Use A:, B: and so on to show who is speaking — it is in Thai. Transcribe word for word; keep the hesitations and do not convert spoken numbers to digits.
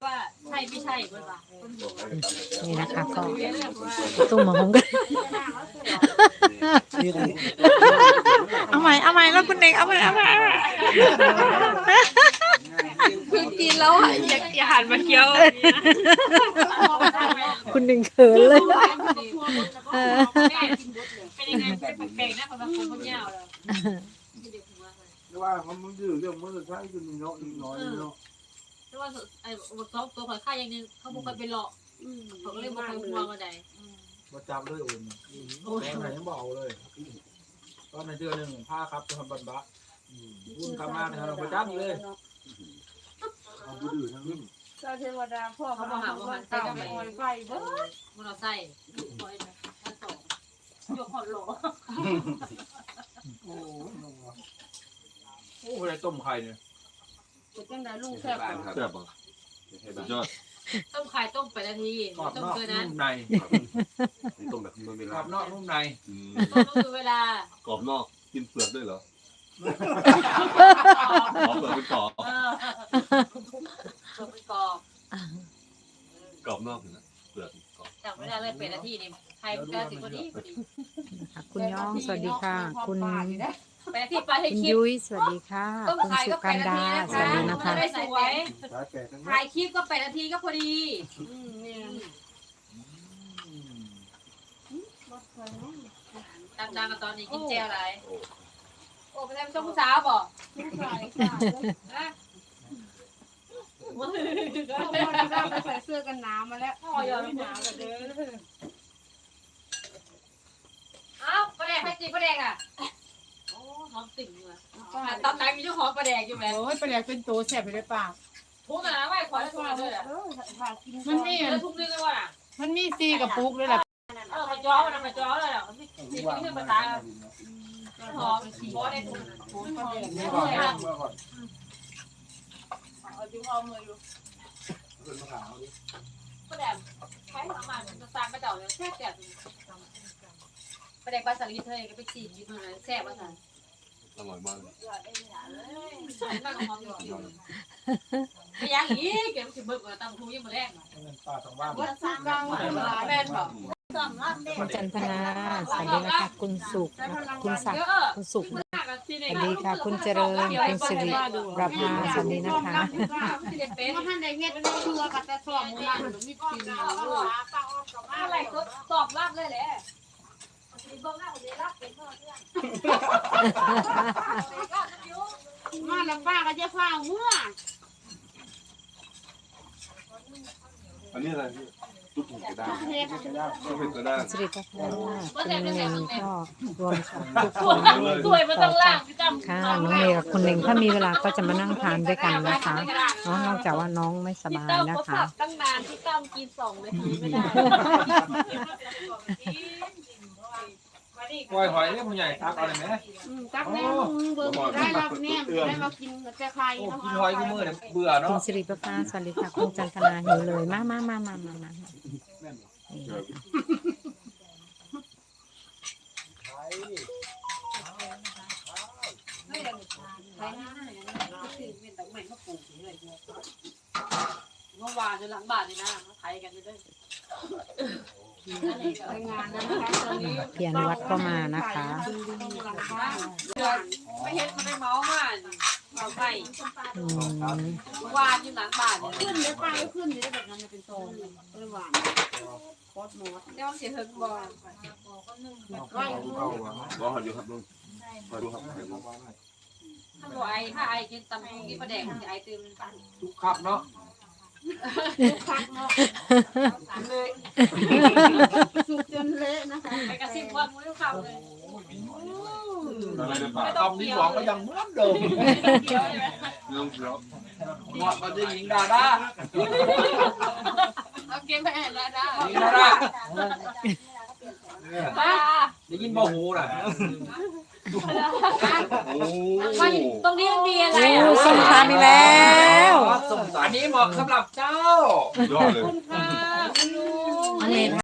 A: ว่าใช่ไม่ใช่คนละ
B: นี่นะคะก็ตุ้มมาหงกันเอาใหม่เอาใหม่แล้วคุณเด็กเอาใหม่เอาใหม่เอาใหม่
A: คือกินแล้วอ่ะอยากอยากหันมาเคี้ยว
B: คุณหนึ่งเขินเลย
A: เป็นยังไงเป็นแปลกๆนะคนละคนคนยาวเลย
C: ว่ามันดื้อเรื่องมันจะใช้กันน้อยน้อยเนาะ
A: แต่ว่าไอ้ซอฟตัวข่อยค่าอย่างนึงเขาบอกไปหลอกเขาก็เลยบอกไปหัวมาได้
C: มาจับเลยอุ่นตอนไหนยังเบาเลยตอนไหนเจอหนึ่งผ้าครับจะทำบันบะอุ่นคำมากนะครับเราไปจับเลยเอาดื้อทั้งนี้
D: เจ้าเทวดาพ่อเขามาหาว่าตามไปไฟเบิ้ล
A: มันเอาใส่คอยนะถ้าต่อยกหอดหลอ
C: โอ้โหอะไรต้มไข่เนี่ย
D: จะจังไดลุงแซ่บ
E: แซ่บอ่ะสุดยอด
A: ต้มไข่ต้มไปนาที
C: กรอบ
A: ต้ม
C: นอก
A: เกินนั้น
C: นุ่มใน
E: นี่ต้มแบบเมื่อเว
C: กร
E: ลา
C: อบนอกนุ่มใน
A: ต้มก็คือเวลาก
E: รอบนอกกินเปลือกด้วยเหรอขอเปลือกเป็นกรอบ
A: เออเปิดเป็นกรอบ
E: กรอบนอกนะเปลือกกรอบ
A: จากเวลาเลยเป็นนาทีนี่ไข่มันก็สิพอดีพอดี
B: คุณย่องสวัสดีค่ะ คุณ
A: เป็นนาทีปลาให้
B: คุณ
A: คลิป
B: ยุ้ยสวัสดีค่ะ
A: ต้ม
B: คุณ
A: ไข่
B: สุ
A: ก็
B: กั
A: เป็น
B: น
A: นา
B: ดา
A: ที
B: สวัสดี
A: นะ
B: นะคะ คะ
A: ได้สวย
C: สายแก่ทั้งนั้น
A: ถ่ายคลิปก็เป็นนาทีก็พอดี
D: อืมเนี่ยรถไฟเนาะ
A: ตามดางกันตอนนี้กินเจลอะไรโอ้ไปทำต้มสาวบอก
D: ผู้ชายค่ะ
A: นะ
D: พ่อจะไปใส่เสื้อกันหนาวมาแล้ว
A: พ่อยอมหนาวกันเด้อเอ้าปลาแดกใครจีปลาแดกอ่ะโอ้หอมติ่งเลยตอนไหนมีเจ้าของปลาแดกอยู่ไหม
F: โอ้ยปลาแดกเป็นตัวแสบไปเลยป่า
A: ทุกหนาไหวขอแล้วทุกหนาเลยอ่ะ
D: เออถ่ายกิน
F: มันมี
A: แล้วทุกนึงเลยว่ะ
F: มันมีซีกับปุกด้วยแหละ
A: เออมาจ้อมันมาจ้อเลยอ่ะมันมีมีเครื่องภาษาหอมบอสได้ทุก
C: นี่ก่อนนี่ก่อน
D: เอาจิ้มเอามืออยู่
C: เป็นมะขามดิ
A: ปลาแดกใช้ประมาณมันสร้างกระเจ้าเลยแซ่บแซ่บปลาแดกปลาสลิดเธอก็ไปจีบอยู่ตรงนั้นแซ่บว่าสัน
E: อร่อยมากเลย
A: มากหอมอยู่ไปยังอีกเก็บสิบเบิกกับตำทูยังมาแรก
C: เป็นปลาทางบ้าน
D: ว่าสร้างกลางหลาย
A: แม่นบอก
B: คุณจันทนาสวัสดีนะคะคุณสุขนะคะคุณศักดิ์
A: เยอะ
B: คุณสุข
A: มากอะที่
B: ส
A: ไหน
B: วัสดีค่ะ คุณเจริญคุณสิริประภาสวัสดีนะคะ
A: ที่เด็ดเป็น
D: ว่าท่านได้เฮ็ดเชื่อกับแต่สอบมูลนิธิมีกินอยู่
A: อะไรก็ตอบรับเลยแหละเบิ้งหน้าคนเดียวรับเป็นเพื่อน
D: มาแล้วป้าก็จะพาเมื่อ
E: อันนี้อะไรพี่ตุ๊กหูกระด้าง
D: เฮ็ด
E: ก็เป็นกระด้าง
B: สิริประภาคุณเน่งก็รวมสองทุกค
A: ตัวน ตัวมันต้องล่างพี่จำ
B: ค่ะน้องเมย์กับคุณเน่งถ้ามีเวลาก็จะมานั่งทานด้วยกันนะคะเนาะนอกจากว่าน้องไม่สบายนะคะ
A: ตั้งนานพี่ตั้มกินสองนาทีไม่ได้
C: กล้วยหอยเนี่ยมันใหญ่ตักอะไรไหม
D: อืมตักแน่มึงเบิ่งได้รับแน่ได้มากินแต่ไข่
C: โอ้
D: เนาะ
C: กินหอยกูมือเนี่ยเบื่อ
B: คุ
C: เนาะ
B: ณสิริประภาสวัสดีค่ะคุณจันทนาหิวเลยมามามามามามา
A: เมื่อวานจะหลังบ้านนี่นะไทยกันเลย
D: ไปงานนะคะตอนนี้
B: เพียรวัดก็มานะคะ
A: ไม่เห็นเขาได้เมาส์มาเอาไป
B: อืม
A: วานอยู่หลังบ้านเนี่ย
D: ขึ้นได้ป้าขึ้นได้แบบนั้นเป็นโตเลยหวานโคตรหมด
A: เดี๋ยวเสียเฮิร์นบอล
C: เข้าเข้าว่ะ
E: รอหันอยู่ครับลุงมาดูครับเห็นไหม
A: ถ้าบอกไอ้ถ้าไอ้กินตำกินปลาแดกไอ้ตื่น
C: ทุกขับเนาะ
D: คักเนาะ
A: เลย
D: สุกจนเละนะคะ
A: ไปกระซิบว่ามึงต้องเข้าเลย
E: อะไรในปาก
C: คำที่สองก็ยังเหมือนเดิม
A: เกี่ยวใช่ไหม
E: ลุงเขียว
C: เหมาะกับเจ้าหญิงดาด้า
A: เอาเกมไปแอนแล้วได้
C: หญิงดาด้า
A: ป้า
C: ได้ยินบ่หูน่ะ
E: โอ้
A: มันตรงนี้มันมีอะไร
B: โอ้
A: อ่ะ
B: ส้มตำอีกแล้ว
C: อันนี้เหมาะสำหรับเจ้า
E: ยอดเลย
A: คุณค่ะคุณลุง
B: น้องเมย์